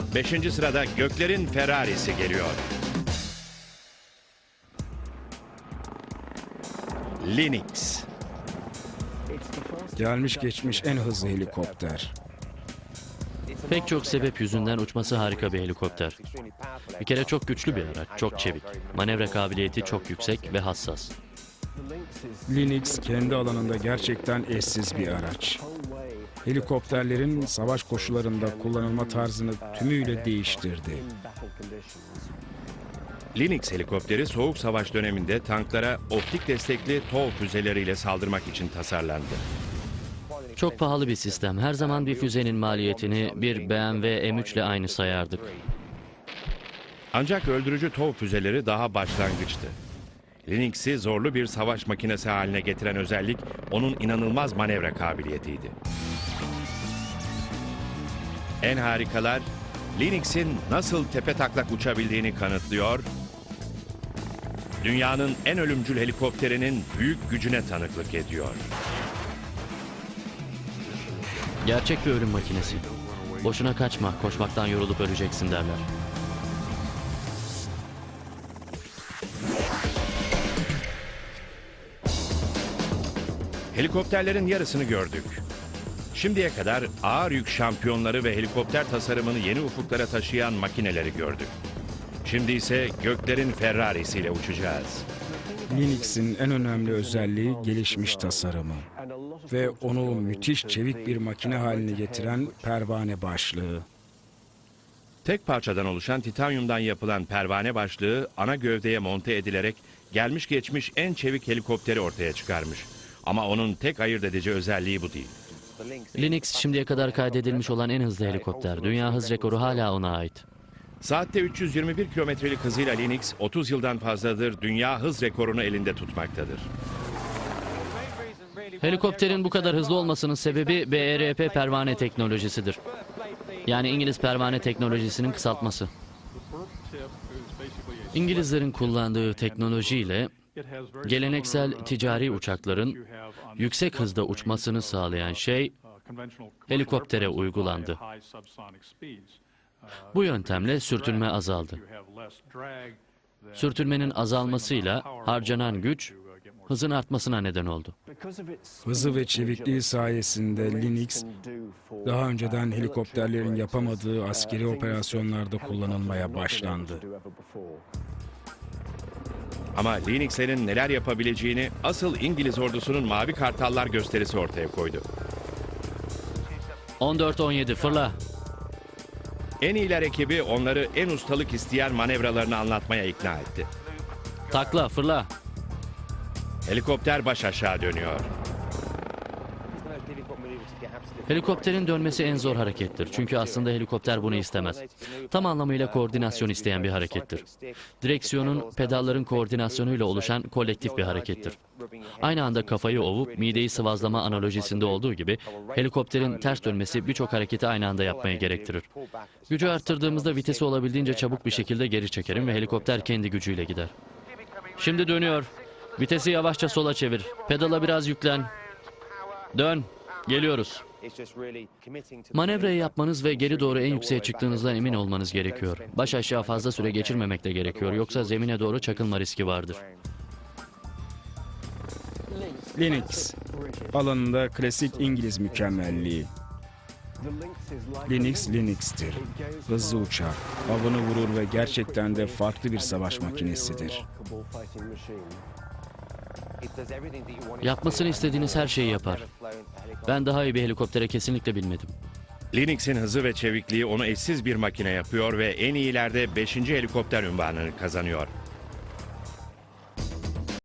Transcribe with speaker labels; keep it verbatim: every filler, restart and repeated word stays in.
Speaker 1: Beşinci sırada göklerin Ferrari'si geliyor. Lynx.
Speaker 2: Gelmiş geçmiş en hızlı helikopter.
Speaker 3: Pek çok sebep yüzünden uçması harika bir helikopter. Bir kere çok güçlü bir araç, çok çevik. Manevra kabiliyeti çok yüksek ve hassas.
Speaker 2: Lynx kendi alanında gerçekten eşsiz bir araç. Helikopterlerin savaş koşullarında kullanılma tarzını tümüyle değiştirdi.
Speaker 1: Lynx helikopteri soğuk savaş döneminde tanklara optik destekli TOW füzeleriyle saldırmak için tasarlandı.
Speaker 3: Çok pahalı bir sistem. Her zaman bir füzenin maliyetini bir B M W M üç ile aynı sayardık.
Speaker 1: Ancak öldürücü TOW füzeleri daha başlangıçtı. Lynx'i zorlu bir savaş makinesi haline getiren özellik onun inanılmaz manevra kabiliyetiydi. En harikalar Lynx'in nasıl tepetaklak uçabildiğini kanıtlıyor, dünyanın en ölümcül helikopterinin büyük gücüne tanıklık ediyor.
Speaker 3: Gerçek bir ölüm makinesi. Boşuna kaçma, koşmaktan yorulup öleceksin derler.
Speaker 1: Helikopterlerin yarısını gördük. Şimdiye kadar ağır yük şampiyonları ve helikopter tasarımını yeni ufuklara taşıyan makineleri gördük. Şimdi ise göklerin Ferrari'siyle uçacağız.
Speaker 2: Lynx'in en önemli özelliği gelişmiş tasarımı ve onu müthiş çevik bir makine haline getiren pervane başlığı.
Speaker 1: Tek parçadan oluşan titanyumdan yapılan pervane başlığı ana gövdeye monte edilerek gelmiş geçmiş en çevik helikopteri ortaya çıkarmış. Ama onun tek ayırt edici özelliği bu değil.
Speaker 3: Lynx şimdiye kadar kaydedilmiş olan en hızlı helikopter. Dünya hız rekoru hala ona ait.
Speaker 1: Saatte üç yüz yirmi bir kilometrelik hızıyla Lynx otuz yıldan fazladır dünya hız rekorunu elinde tutmaktadır.
Speaker 3: Helikopterin bu kadar hızlı olmasının sebebi B E R P pervane teknolojisidir. Yani İngiliz pervane teknolojisinin kısaltması. İngilizlerin kullandığı teknolojiyle geleneksel ticari uçakların yüksek hızda uçmasını sağlayan şey helikoptere uygulandı. Bu yöntemle sürtünme azaldı. Sürtünmenin azalmasıyla harcanan güç hızın artmasına neden oldu.
Speaker 2: Hızı ve çevikliği sayesinde Lynx daha önceden helikopterlerin yapamadığı askeri operasyonlarda kullanılmaya başlandı.
Speaker 1: Ama Lynx'lerin neler yapabileceğini asıl İngiliz ordusunun Mavi Kartallar gösterisi ortaya koydu.
Speaker 3: on dört on yedi fırla.
Speaker 1: En iyiler ekibi onları en ustalık isteyen manevralarını anlatmaya ikna etti.
Speaker 3: Takla fırla.
Speaker 1: Helikopter baş aşağı dönüyor.
Speaker 3: Helikopterin dönmesi en zor harekettir. Çünkü aslında helikopter bunu istemez. Tam anlamıyla koordinasyon isteyen bir harekettir. Direksiyonun pedalların koordinasyonuyla oluşan kolektif bir harekettir. Aynı anda kafayı ovup mideyi sıvazlama analojisinde olduğu gibi helikopterin ters dönmesi birçok hareketi aynı anda yapmaya gerektirir. Gücü arttırdığımızda vitesi olabildiğince çabuk bir şekilde geri çekerim ve helikopter kendi gücüyle gider. Şimdi dönüyor. Vitesi yavaşça sola çevir. Pedala biraz yüklen. Dön. Geliyoruz. Manevrayı yapmanız ve geri doğru en yükseğe çıktığınızdan emin olmanız gerekiyor. Baş aşağı fazla süre geçirmemek de gerekiyor. Yoksa zemine doğru çakılma riski vardır.
Speaker 2: Lynx, alanında klasik İngiliz mükemmelliği. Lynx, Lynx'tir. Hızlı uçar, avını vurur ve gerçekten de farklı bir savaş makinesidir.
Speaker 3: Yapmasını istediğiniz her şeyi yapar. Ben daha iyi bir helikoptere kesinlikle binmedim.
Speaker 1: Lynx'in hızı ve çevikliği onu eşsiz bir makine yapıyor ve en iyilerde beşinci helikopter unvanını kazanıyor.